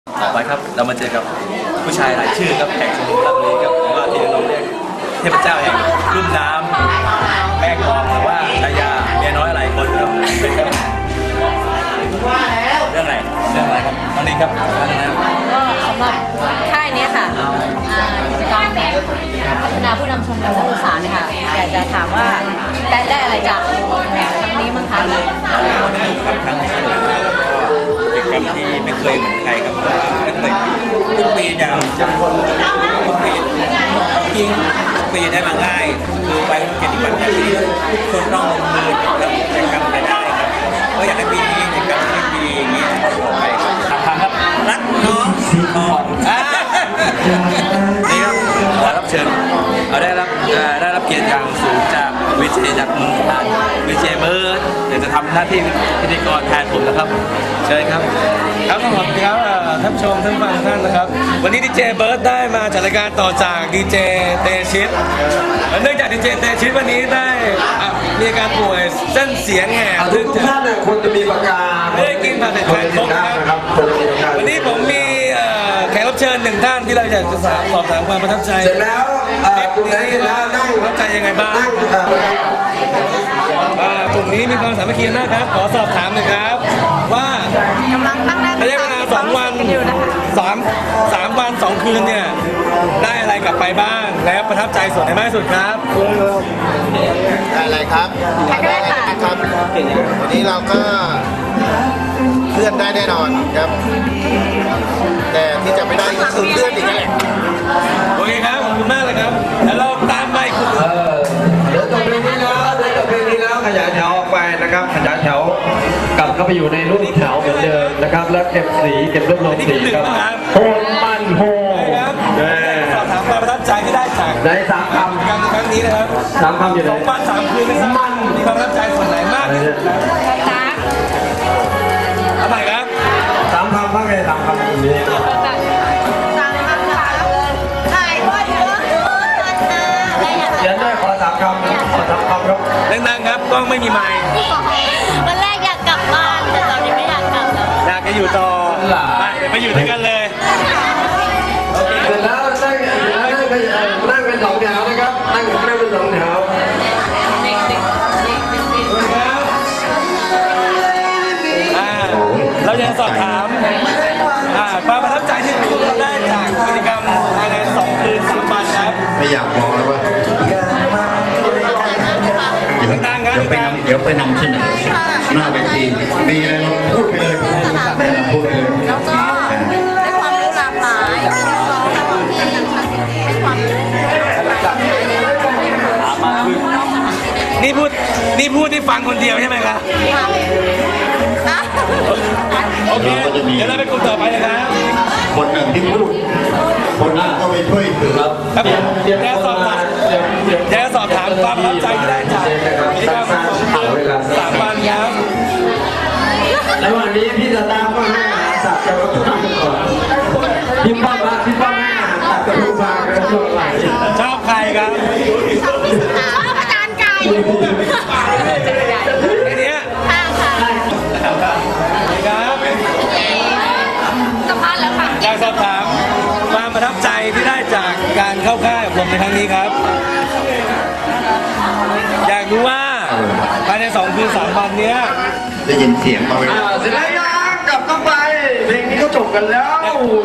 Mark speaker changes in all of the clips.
Speaker 1: ต่อไปครับเรามาเจอกับผู้ชายหลายชื่อครับแห่งชมรมราชบุรีครับหรือว่าที่เราเรียกเทพเจ้าแห่งลุ่มน้ำแม่กลองหรือว่าชายาเมียน้อยหลายคนครับเป็นครับเรื่องอะไรครับตอนนี้ครับ
Speaker 2: ก็สำหรับค่ายนี้ค่ะกิจกรรมพัฒนาผู้นำชมรมนักศึกษาเนี่ยค่ะอยากจะถามว่าได้อะไรจากครั้งนี้มั้งคะ
Speaker 1: ค่อนข้างสนุกกิจกรรมที่ไม่เคยเหมือนใครครับไม่เคยทุกปีอย่างทุกปียิ่งทุกปีได้มาง่ายคือไปกิจกรรมอย่างนี้คนต้องลงมือกับกิจกรรมไปได้ครับก็อยากให้ปีนี้กิจกรรมที่ดีอย่างนี้ต่อไปครับรักน้องทองนี่ครับขอรับเชิญได้รับเกียรติอย่างสูงจากวิเชยจากเมืองการวิเชยเบิร์ดเดี๋ยวจะทำหน้าที่พิธีกรแทนผมนะครับเชิญครับครับขอบคุณครับท่านผู้ชมท่านฟังท่านนะครับวันนี้ดีเจเบิร์ดได้มาจัดรายการต่อจากดีเจเตชิตเนื่องจากดีเจเตชิตวันนี้ได้มีอาการป่วยเส้นเสียงแหบ
Speaker 3: ทุกท่านควรจะมีปากกา
Speaker 1: ไม่ได้กินผ่านแต่แทนครบนะครับวันนี้ผมมีแขกรับเชิญหนึ่งท่านที่เราอยากจะสอบถามความประทับใจ
Speaker 3: เสร็จแล้วกลุ่มนี้แล้วนั่ง
Speaker 1: ประทับใจยังไงบ้างกลุ่มนี้มีความสามัคคีนะครับขอสอบถามหน่อยครับว่าก
Speaker 2: ำลังตั้งหน้า
Speaker 1: ระยะเวลา2 วัน3 วัน 2 คืนเนี่ยได้อะไรกลับไปบ้างแล้วประทับใจส่วนไหนมากที่สุดครับ
Speaker 4: ได้อะไรครับได้อะไรครับวันนี้เราก็เลื่อนได้แน่นอนครับแต่ที่จะไม่ได้ก็คือเลื่อนอีกแหละ
Speaker 1: โอเคครับขอบคุณมากเลยครับแล้วเราตามไปคุณ
Speaker 3: เดี๋ยวจบเพลงนี้แล้วขยายแถวออกไปนะครับขยายแถวกลับเข้าไปอยู่ในรูปแถวเหมือนเดิมนะครับแล้วเก็บสีเก็บรวบรวมสีครับโฮมันโฮ
Speaker 1: สอบถามความประทับใจที่ได้จาก
Speaker 3: ใน3 คำ
Speaker 1: การครั้งนี้นะครับ
Speaker 3: 3 คำอยู่ไหน
Speaker 1: 2 วัน 3 คืนนะครับมันมีความประทับใจส่วนไหนมากที่สุดครับเอาใหม่ครับ
Speaker 3: 3 คำว่าไง3 คำตรงนี้เขียนได้ขอ3 คำขอ3 คำครับ
Speaker 1: ดังๆครับกล้องไม่มีไมค์
Speaker 2: วันแรกอยากกลับบ้านแต่ตอนนี้ไม่อยากกลับแล้ว
Speaker 1: อยากจะอยู่ต่อไปเดี๋ยวไปอยู่ด้วยกันเลย
Speaker 3: เสร็จแล้วนั่งเป็น2 แถวนะครับนั่งเป็น2 แถว
Speaker 1: เราจะสอบถามความประทับใจที่เราได้จากกิจกรรมภายใน2 คืน 3 วันครับ
Speaker 4: ไม่อยากมองแล้วว่า
Speaker 1: เ
Speaker 4: ดี๋ยวไปนำที่ไหนหน้าเวทีมีอะไรเราพูดไปเลยพูดไปเลย
Speaker 2: แล้วก็ได้ความรู้หลากหลายได้ความรู้
Speaker 1: นี่พูดที่ฟังคนเดียวใช่ไหมครับโอเคเดี๋ยวเราไปกลุ่มต่อไปเลยนะ
Speaker 4: คนหนึ่งที่พูดคนนั้นก็ไปช่วยถือครับ
Speaker 1: เดี๋ยวสอบถามความประทับใจที่ได้จากกิจกรรม3 วันครับ
Speaker 3: แล้ววันนี้พี่จะตามก็ให้สัตว์จะมาทำก่อนพี่ป้อมให้สัตว์จะรู้มากันช่วงไหน
Speaker 1: ชอบใครครับ
Speaker 2: ชอบอาจารย์ไก่
Speaker 1: ไอ้เนี้ย
Speaker 2: ค่ะ
Speaker 1: ครับ
Speaker 2: สัมภาษณ์แล้วค่ะ
Speaker 1: อยากสอบถามความประทับใจที่ได้จากการเข้าค่ายอบรมในครั้งนี้ครับอยากรู้ว่าภายใน2 คืน 3 วันเนี้ย
Speaker 4: ได้ยินเสียงมาไหม
Speaker 3: เสร็จแล้วกลับเข้าไปเพลงนี้ก็จบกันแล้ว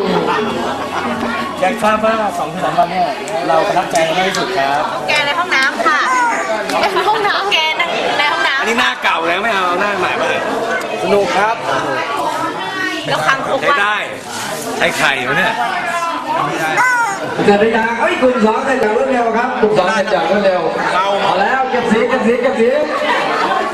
Speaker 1: อยากทราบว่า2 คืน 3 วันเนี่ยเราประทับใจมากที่สุดครับ
Speaker 2: แกในห้องน้ำค่ะในห้องน้ำแกในห้องน้ำ
Speaker 1: อันนี้หน้าเก่าแล้วไม่เอาหน้าใหม่มา
Speaker 3: สนุกครับ
Speaker 2: แล้วครั้งทุกวัน
Speaker 1: ได้ใช้ไข่เหรอเนี่ย
Speaker 3: เสร็จหรือยังกลุ่ม 2เสร็จจากรวดเร็วครับกลุ่ม 2เสร็จจากรวดเร็วเอาแล้วเก็บสี